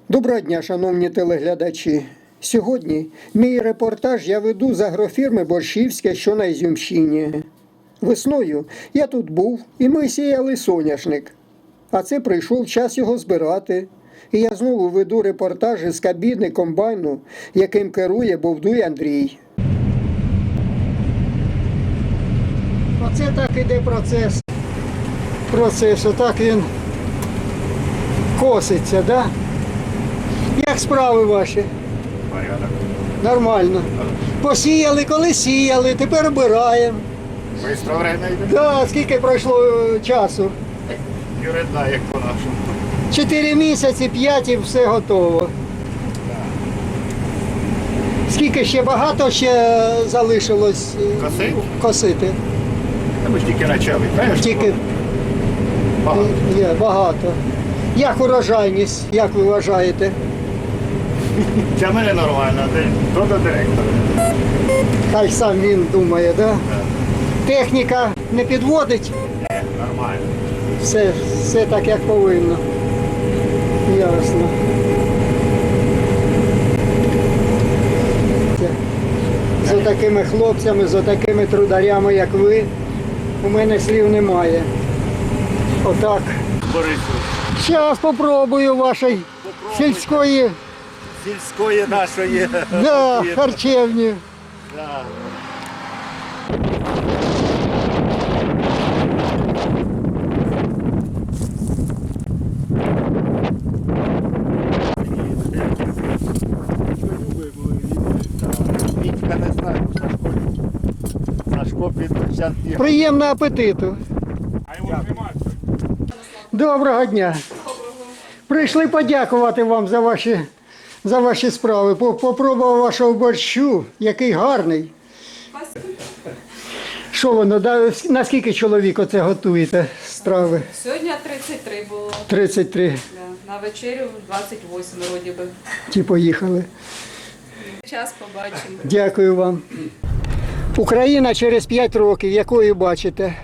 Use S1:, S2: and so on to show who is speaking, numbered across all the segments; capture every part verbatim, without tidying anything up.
S1: Доброго дня, шановні телеглядачі. Сьогодні мій репортаж я веду з агрофірми Борщівське, що на Ізюмщині. Весною я тут був і ми сіяли соняшник. А це прийшов час його збирати. І я знову веду репортажі з кабіни комбайну, яким керує Бовдуй Андрій. Оце так іде процес. Процес, отак він коситься, да? Як справи ваші?
S2: Порядок.
S1: Нормально. Посіяли, коли сіяли, тепер обираємо.
S2: Быстро время йде.
S1: Да, скільки пройшло е, часу?
S2: Юридна, як по-нашому.
S1: Чотири місяці, п'ять і все готово. Скільки ще багато ще залишилось е,
S2: Косить?
S1: косити?
S2: Та ми ж тільки почали. Знаєш,
S1: Тільки
S2: багато.
S1: є багато. Як урожайність, як ви вважаєте?
S2: Для мене нормально, ти то до директора.
S1: Хай сам він думає, да? Техніка не підводить,
S2: Ні, нормально.
S1: все, все так, як повинно. Ясно. З такими хлопцями, з такими трударями, як ви, у мене слів немає. Отак.
S2: Борису,
S1: Зараз спробую вашої сільської,
S2: сільської нашої.
S1: да, харчевні.
S2: Да. Вітька не знаю, Сашко. Сашко під час їх.
S1: Приємного апетиту. Доброго дня. Прийшли подякувати вам за ваші, за ваші справи. По- Попробував вашого борщу, який гарний. Що воно, да, наскільки чоловік оце готуєте страви?
S3: Сьогодні тридцять три було.
S1: тридцять три.
S3: Да. На вечерю двадцять вісім вроді би.
S1: Ті поїхали.
S3: Час побачимо.
S1: Дякую вам. Україна через п'ять років, якою бачите?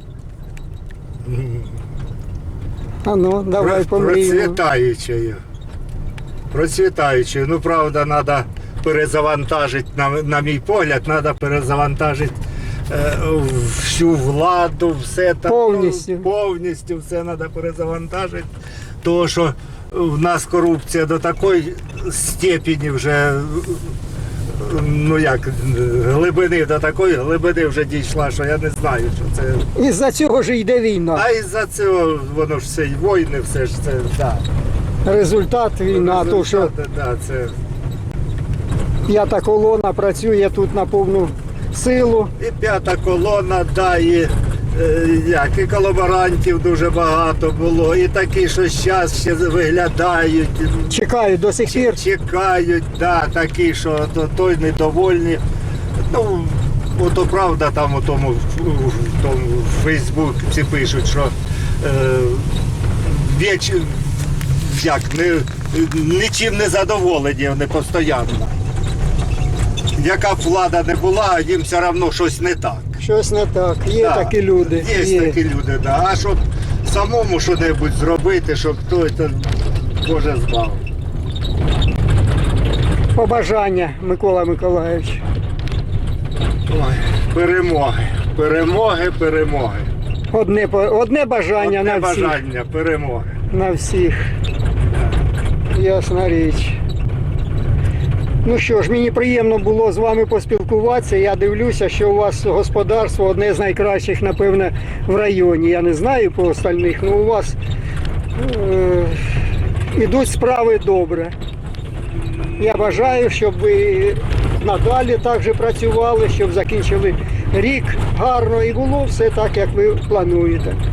S1: А ну, давай помріємо.
S4: Процвітаючою. Процвітаючою. Ну, правда, треба перезавантажити, на, на мій погляд, треба перезавантажити е, всю владу, все там.
S1: Повністю.
S4: Повністю все треба перезавантажити. Тому що в нас корупція до такої степені вже, ну як, глибини, до такої глибини вже дійшла, що я не знаю, що це.
S1: Із-за цього ж йде війна.
S4: А із-за цього воно ж все, й війни, все ж це, так.
S1: Результат війна, то що
S4: Да, це...
S1: п'ята колона працює тут на повну силу.
S4: І п'ята колона, да, і, е, як, і колаборантів дуже багато було, і такі, що зараз ще виглядають,
S1: Чекають до сих пір.
S4: чекають, да, такі, що то, той недовольні. Ну, ото правда, там у тому, в тому в Фейсбуці пишуть, що е, віч, як, не, нічим не задоволені вони постійно. Яка б влада не була, їм все одно щось не так.
S1: Щось не так. Є
S4: Да,
S1: такі люди.
S4: Є, такі люди, да. А щоб самому щось зробити, щоб хтось, то Боже збав.
S1: Побажання, Микола Миколаївич.
S4: Ой, перемоги, перемоги, перемоги.
S1: Одне, по- одне бажання
S4: Одне
S1: на всіх.
S4: бажання, перемоги.
S1: На всіх. Ясна річ. Ну що ж, мені приємно було з вами поспілкуватися. Я дивлюся, що у вас господарство одне з найкращих, напевне, в районі. Я не знаю по остальних, але у вас е- ідуть справи добре. Я бажаю, щоб ви надалі так же працювали, щоб закінчили рік гарно і було все так, як ви плануєте.